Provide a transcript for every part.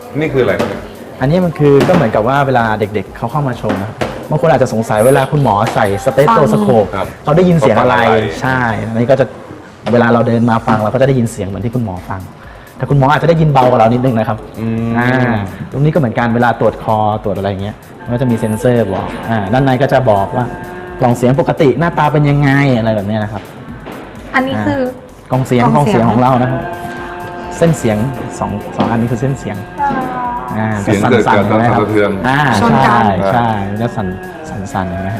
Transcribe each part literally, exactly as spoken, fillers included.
นี่คืออะไรครับอันนี้มันคือก็เหมือนกับว่าเวลาเด็กๆเขาเข้ามาชมนะครับบางคนอาจจะสงสัยเวลาคุณหมอใส่สเตโตสโคปเขาได้ยินเสียงอะไรใช่อันนี้ก็จะเวลาเราเดินมาฟังเราก็จะได้ยินเสียงเหมือนที่คุณหมอฟังแต่คุณหมออาจจะได้ยินเบากว่าเรานิดนึงนะครับอ่าตรงนี้ก็เหมือนกันเวลาตรวจคอตรวจอะไรเงี้ยมันก็จะมีเซ็นเซอร์บอกอ่าด้านในก็จะบอกว่ากล่องเสียงปกติหน้าตาเป็นยังไงอะไรแบบนี้นะครับอันนี้คือกล่องเสียงกล่องเสียงของเรานะครับเส้นเสียงสองสองอันนี้คือเส้นเสียงอ่าเสียงเกิดจากการสั่นสะเทือนอ่าใช่ใช่แล้วสั่นสั่นสั่นนะครับ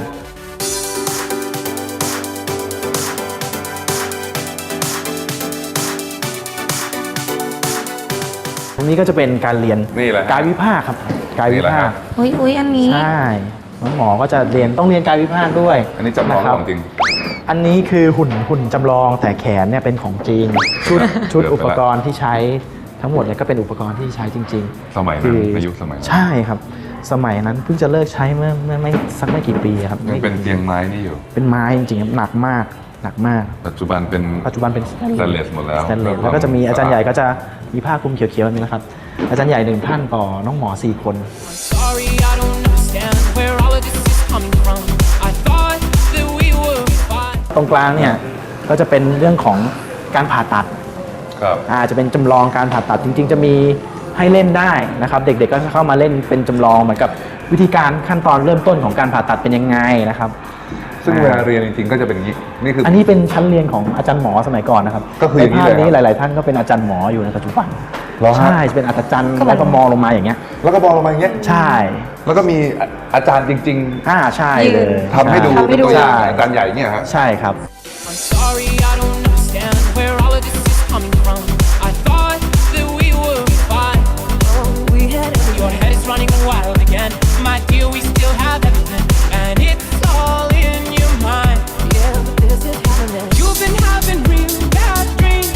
ตรงนี้ก็จะเป็นการเรียนนี่แหละกายวิภาคครับกายวิภาคอุ้ยอุ้ยอันนี้ใช่น้องหมอก็จะเรียนต้องเรียนกายวิภาคด้วยอันนี้จำลองะคขบองจริงอันนี้คือหุ่นหุ่นจำลองแต่แขนเนี่ยเป็นของจริงชุดชุดเกือบไปละอุปกรณ์ที่ใช้ทั้งหมดเนี่ยก็เป็นอุปกรณ์ที่ใช้จริงๆสมัยนั้นคือในยุคสมัยนั้นใช่ครับ สมัยนั้นเพิ่งจะเลิกใช้เมื่อเมื่อไม่สักไม่กี่ปีครับยังเป็นเตียงไม้นี่อยู่เป็นไม้จริงๆครับหนักมากหนักมากปัจจุบันเป็นปัจจุบันเป็นสแตนเลสหมดแล้วสแตนเลสแล้วก็จะมีอาจารย์ใหญ่ก็จะมีผ้าคลุมเขียวๆแบบนี้นะครับอาจารย์ใหญ่หนึ่งท่านต่อน้องหมอสี่คน Sorry, I don't understand where all of this is coming from. I thought that we were fine. ตรงกลางเนี่ยก็จะเป็นเรื่องของการผ่าตัดครับอาจจะเป็นจำลองการผ่าตัดจริงๆ จะมีให้เล่นได้นะครับเด็กๆก็เข้ามาเล่นเป็นจำลองเหมือนกับวิธีการขั้นตอนเริ่มต้นของการผ่าตัดเป็นยังไงนะครับซึ่งเวลาเรียนจริงๆก็จะเป็นอย่างนี้นี่คืออันนี้เป็นชั้นเรียนของอาจารย์หมอสมัยก่อนนะครับก็คืออย่างนี้ในภาพเลยนี้ครับหลายๆท่านก็เป็นอาจารย์หมออยู่ในปัจจุบันเหรอฮะใช่จะเป็นอาจารย์แล้วก็มองลงมาอย่างเงี้ยแล้วก็บอกลงมาอย่างเงี้ยใช่แล้วก็มีอาจารย์จริงอ่าใช่เลยๆทำให้ดูช่เป็นตัวอย่างใช่อาจารย์ใหญ่เนี่ยฮะใช่ครับ I'm sorry, I don't understand where all of this is coming from. I thought that we were fine. Oh, we had everything. Your head is running wild again. My dear, we still have everything. And it's all in your mind. Yeah, but this is happening. You've been having real bad dreams.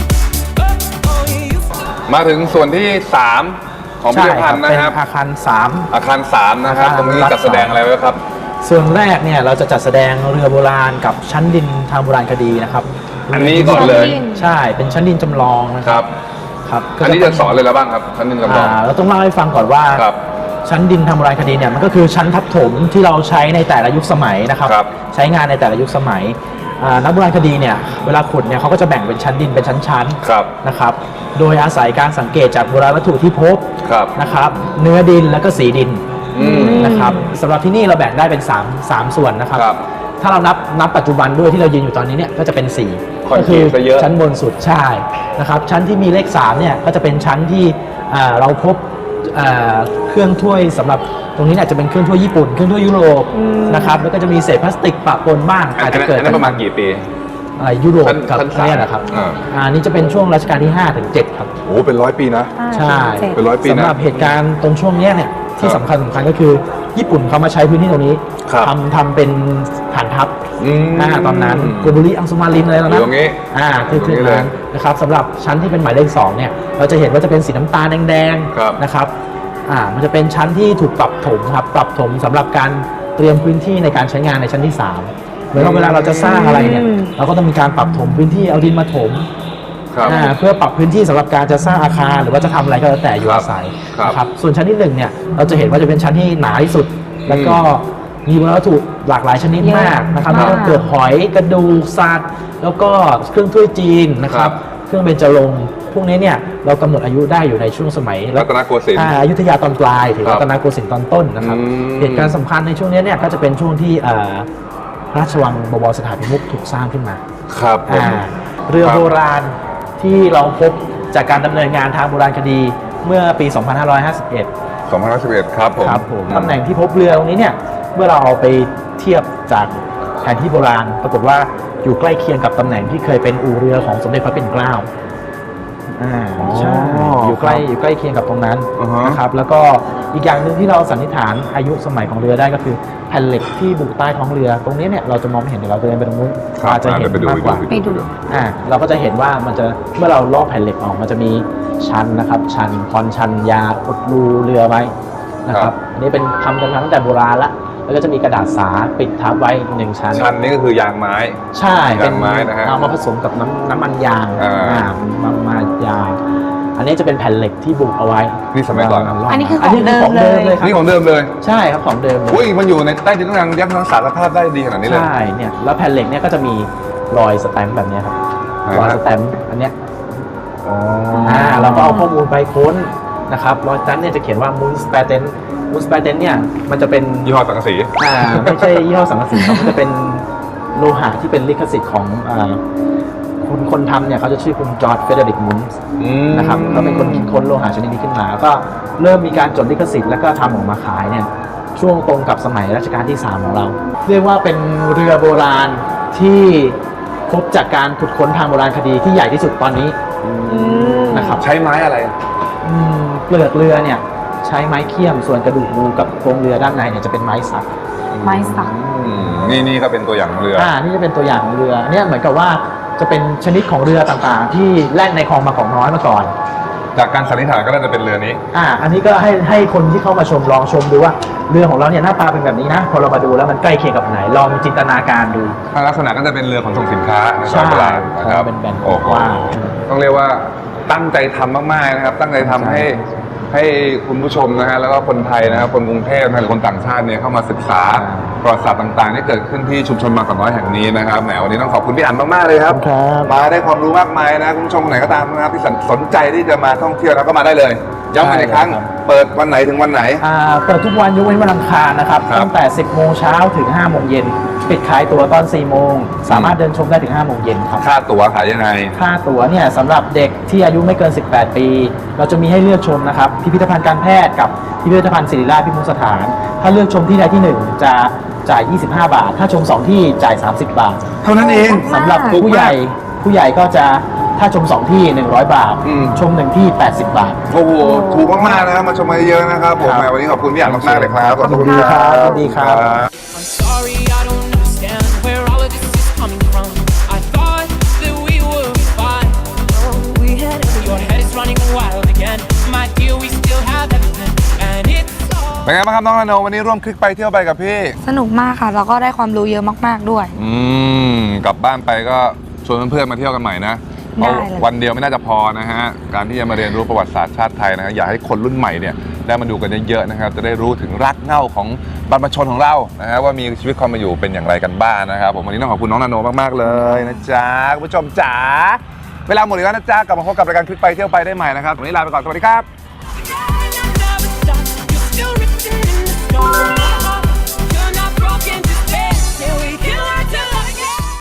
Oh, oh, you used to. มาถึงส่วนที่สามของพิพิธภัณฑ์นะครับเป็นอาคารสามอาคารสามนะครับอาคารตรงนี้จัดแสดงอะไรไว้ครับส่วนแรกเนี่ยเราจะจัดแสดงเรือโบราณกับชั้นดินทางโบราณคดีนะครับอันนี้ก่อนเลยใช่เป็นชั้นดินจำลองนะคครัรับบครับอันนี้จะสอนเลยแล้วบ้างครับท่านนินจำลองอ่าเราต้องเล่าให้ฟังก่อนว่าครับชั้นดินทางโบราณคดีเนี่ยมันก็คือชั้นทับถมที่เราใช้ในแต่ละยุคสมัยนะครับครับใช้งานในแต่ละยุคสมัยอ่านักโบราณคดีเนี่ยเวลาขุดเนี่ยเขาก็จะแบ่งเป็นชั้นดินเป็นชั้นๆครับนะครับโดยอาศัยการสังเกตจากโบราณวัตถุที่พบครับนะครับเนื้อดินแล้วก็สีดินอืมนะครับสำหรับที่นี่เราแบ่งได้เป็น3 3ส่วนนะครับครับถ้าเรานับนับปัจจุบันด้วยที่เรายืนอยู่ตอนนี้เนี่ยก็จะเป็นสี่คอนก็กรีคืตซะเยอะชั้นบนสุดใช่นะครับชั้นที่มีเลขสามเนี่ยก็จะเป็นชั้นที่อ่าเราพบอ่าเครื่องถ้วยสำหรับตรงนี้เนี่ยจะเป็นเครื่องถ้วยญี่ปุ่นเครื่องถ้วยยุโรปนะครับแล้วก็จะมีเศษพลาสติกปะปนบ้างอันอาจจะนั้นเกิดอันนั้นประมาณกี่ปีอะไรยุโรปชั้นกับชั้นสามเนี่ยนะครับอ่าอ่านี่จะเป็นช่วงรัชกาลที่ห้าถึงเจ็ดครับโอ้เป็นร้อยปีนะใช่เป็นร้อยปีนะสำหรับเหตุการณ์ตรงช่วงเนี้ยเนี่ยที่ครับสำคัญสำคัญก็คือญี่ปุ่นเขามาใช้พื้นที่ตรงนี้ครับทำทำเป็นฐานทัพอืมอ่าตอนนั้นโกบุริอังสุมารินอะไรตอนอยู่นั้นตรงนี้อ่าคือตรงคือนี้เลยนั้นนะครับสำหรับชั้นที่เป็นหมายเลขสองเนี่ยเราจะเห็นว่าจะเป็นสีน้ำตาลแดงครับๆนะครับอ่ามันจะเป็นชั้นที่ถูกปรับถมครับปรับถมสำหรับการเตรียมพื้นที่ในการใช้งานในชั้นที่สามเหมือนว่าเวลาเราจะสร้างอะไรเนี่ยเราก็ต้องมีการปรับถมพื้นที่เอาดินมาถมครับอ่าเพื่อปรับพื้นที่สำหรับการจะสร้างอาคารหรือว่าจะทำอะไรก็แล้วแต่อยู่ครับอาศัยครับนะครับส่วนชั้นที่หนึ่งเนี่ยเราจะเห็นว่าจะเป็นชั้นที่หนาที่สุด แล้วก็มีวัตถุหลากหลายชนิดมากนะครับเยแล้วอะก็มากเกิดหอยกระดูกสัตว์แล้วก็เครื่องถ้วยจีนนะคครัรับบ เครื่องเบญจรงค์พวกนี้เนี่ยเรากำหนดอายุได้อยู่ในช่วงสมัยรัตนโกสินทร์อ่าอยุธยาตอนปลายถึงครับรัตนโกสินทร์ตอนต้นนะครับอืมเหตุการณ์สำคัญในช่วงนี้เนี่ยก็จะเป็นช่วงที่อ่าพระราชวังบวรสถานพิมุขถูกสร้างขึ้นมาครับผมอ่าเรือครับโบราณที่เราพบจากการดำเนินงานทางโบราณคดีเมื่อปี สองพันห้าร้อยห้าสิบเอ็ดสองพันห้าร้อยสิบเอ็ดครับผมครับผมตำแหน่งที่พบเรือตรงนี้เนี่ยเมื่อเราเอาไปเทียบจากแผนที่โบราณ ปรากฏว่าอยู่ใกล้เคียงกับตำแหน่งที่เคยเป็นอู่เรือของสมเด็จพระปิ่นเกล้าอ่าใช่อยู่ใกล้อยู่ใกล้เคียงกับตรงนั้นอ่าฮะนะครับแล้วก็อีกอย่างหนึ่งที่เราสันนิษฐานอายุสมัยของเรือได้ก็คือแผ่นเหล็กที่บุใต้ท้องเรือ ตรงนี้เนี่ยเราจะมองไม่เห็นเดี๋ยวเราเดินไปตรงนู้นครับอาจจะเห็นไปดูมากกว่าไปดูอ่าเราก็จะเห็นว่ามันจะเมื่อเราลอกแผ่นเหล็กออกมันจะมีชันนะครับ ชันคอนชันยาอุดรูเรือไว้นะครับอันนี้เป็นทำกันมาตั้งแต่โบราณละแล้วก็จะมีกระดาษสาปิดทับไว้หนึ่งชั้นชั้นนี้ก็คือยางไม้ใช่เป็นยางไม้นะฮะเอามาผสมกับน้ำน้ำมันยางอ่าอ่าน้ำมันยางอันนี้จะเป็นแผ่นเหล็กที่บุกเอาไว้นี่สมัยก่อนอันนี้คืออันนี้คือของเดิมเลยครับนี่ของเดิมเลยใช่ครับของเดิมเลยอุ้ยมันอยู่ในใต้ดินทุกอย่างยับยั้งสารภาพได้ดีขนาดนี้เลยใช่เนี่ยแล้วแผ่นเหล็กเนี่ยก็จะมีรอยสแตมป์แบบเนี้ยครับไหนรอยฮะสแตมป์อันเนี้ยอ๋ออ่าเราก็เอาข้อมูลไปค้นนะครับรอยสแตมป์เนี่ยจะเขียนว่า Moon Patent Moon Patent เนี่ยมันจะเป็นยี่ห้อสังกะสีอ่าไม่ใช่ยี่ห้อสังกะสีครับมันจะเป็นโลหะที่เป็นลิขสิทธิ์ของอ่าคนคนทำเนี่ยเขาจะชื่อคุณจอร์จเฟเดริกมุนส์อืมนะครับก็เป็นคนคิดค้นโลหะชนิดนี้ขึ้นมาก็เริ่มมีการจดลิขสิทธิ์แล้วก็ทำออกมาขายเนี่ยช่วงตรงกับสมัยรัชกาลที่สามของเรา เรียกว่าเป็นเรือโบราณที่พบจากการขุดค้นทางโบราณคดีที่ใหญ่ที่สุดตอนนี้นะครับใช้ไม้อะไรอืมเปลือกเรือเนี่ยใช้ไม้เคี่ยมส่วนกระดูกงูกับโครงเรือด้านในเนี่ยจะเป็นไม้สักไม้สักอืมนี่นี่ก็เป็นตัวอย่างของเรืออ่านี่จะเป็นตัวอย่างของเรือเนี่ยเหมือนกับว่าจะเป็นชนิดของเรือต่างๆ ที่แล่นในคลองมาของน้อยมาก่อนจากการสันนิษฐานก็น่าจะเป็นเรือนี้อ่าอันนี้ก็ให้ให้คนที่เข้ามาชมลองชมดูว่าเรือของเราเนี่ยหน้าตาเป็นแบบนี้นะพอเรามาดูแล้วมันใกล้เคียงกับไหนลองจินตนาการดูลักษณะก็จะเป็นเรือขนส่งสินค้าในสใช่มัยโบราณนะครับเป็นแบนโอ้โหกว้างต้องเรียกว่าตั้งใจทำมากๆนะครับ ตั้งใจทำให้ให้คุณผู้ชมนะฮะแล้วก็คนไทยนะครับคนกรุงเทพนะหรือคนต่างชาติเนี่ยเข้ามาศึกษาประวัติศาสตร์ต่างๆที่เกิดขึ้นที่ชุมชนบางกอกน้อยแห่งนี้นะครับแหมวันนี้ต้องขอบคุณพี่อั๋นมากๆเลยครับครับมาได้ความรู้มากมายนะคุณผู้ชมคนไหนก็ตามนะครับที่สนใจที่จะมาท่องเที่ยวแล้วก็มาได้เลยย้ำกันอีกครั้งได้เลยครับเปิดวันไหนถึงวันไหนอ่าเปิดทุกวันยกเว้นวันอังคารนะครับครับตั้งแต่ สิบโมงเช้าถึง ห้าโมงเย็นปิดขายตั๋วตอน สี่โมงสามารถเดินชมได้ถึง ห้าโมงเย็นครับค่าตั๋วขายยังไงค่าตั๋วเนี่ยสำหรับเด็กที่อายุไม่เกิน สิบแปด ปี เราจะมีให้เลือกชมนะครับพิพิธภัณฑ์การแพทย์กับพิพิธภัณฑ์ศิริราชพิมพ์สถาน ถ้าเลือกชมที่ใดที่หนึ่งจะจ่าย ยี่สิบห้า บาท ถ้าชมสองที่จ่าย สามสิบ บาทเท่านั้นเองสำหรับถูกมากผู้ใหญ่ผู้ใหญ่ก็จะถ้าชมสองที่ หนึ่งร้อย บาทอืมชมหนึ่งที่ แปดสิบ บาทโอ้โหถูกมากๆนะครับมาชมมาเยอะๆนะครับผมครับแหมวันนี้ขอบคุณพี่อั๋นมากๆเลยครับขอบคุณครับสวัสดีครับ I'm sorry, I don't understand where all of this is coming from. I thought that we were fine. Oh, we had everything. Your head is running wild again. My dear, we still have everything. And it's all. เป็นไงบ้างครับน้องนาโนวันนี้ร่วมคลิกไปเที่ยวไปกับพี่สนุกมากค่ะ แล้วก็ได้ความรู้เยอะมากๆด้วยอืมกลับบ้านไปก็ชวนเพื่อนๆมาเที่ยวกันใหม่นะเพราะได้เลยวันเดียวไม่น่าจะพอนะฮะการที่จะมาเรียนรู้ประวัติศาสตร์ชาติไทยนะฮะอยากให้คนรุ่นใหม่เนี่ยได้มาดูกันเยอะๆนะครับจะได้รู้ถึงรากเหง้าของบรรพชนของเรานะฮะว่ามีชีวิตความเป็นอยู่เป็นอย่างไรกันบ้างนะครับผมวันนี้ต้องขอบคุณน้องนาโนมากๆเลยนะจ๊ะคุณผู้ชมจ๋าเวลาหมดแล้วนะจ๊ะกลับมาพบกับรายการคลิกไปเที่ยวไปได้ใหม่นะครับวันนี้ลาไปก่อนสวัสดีครับ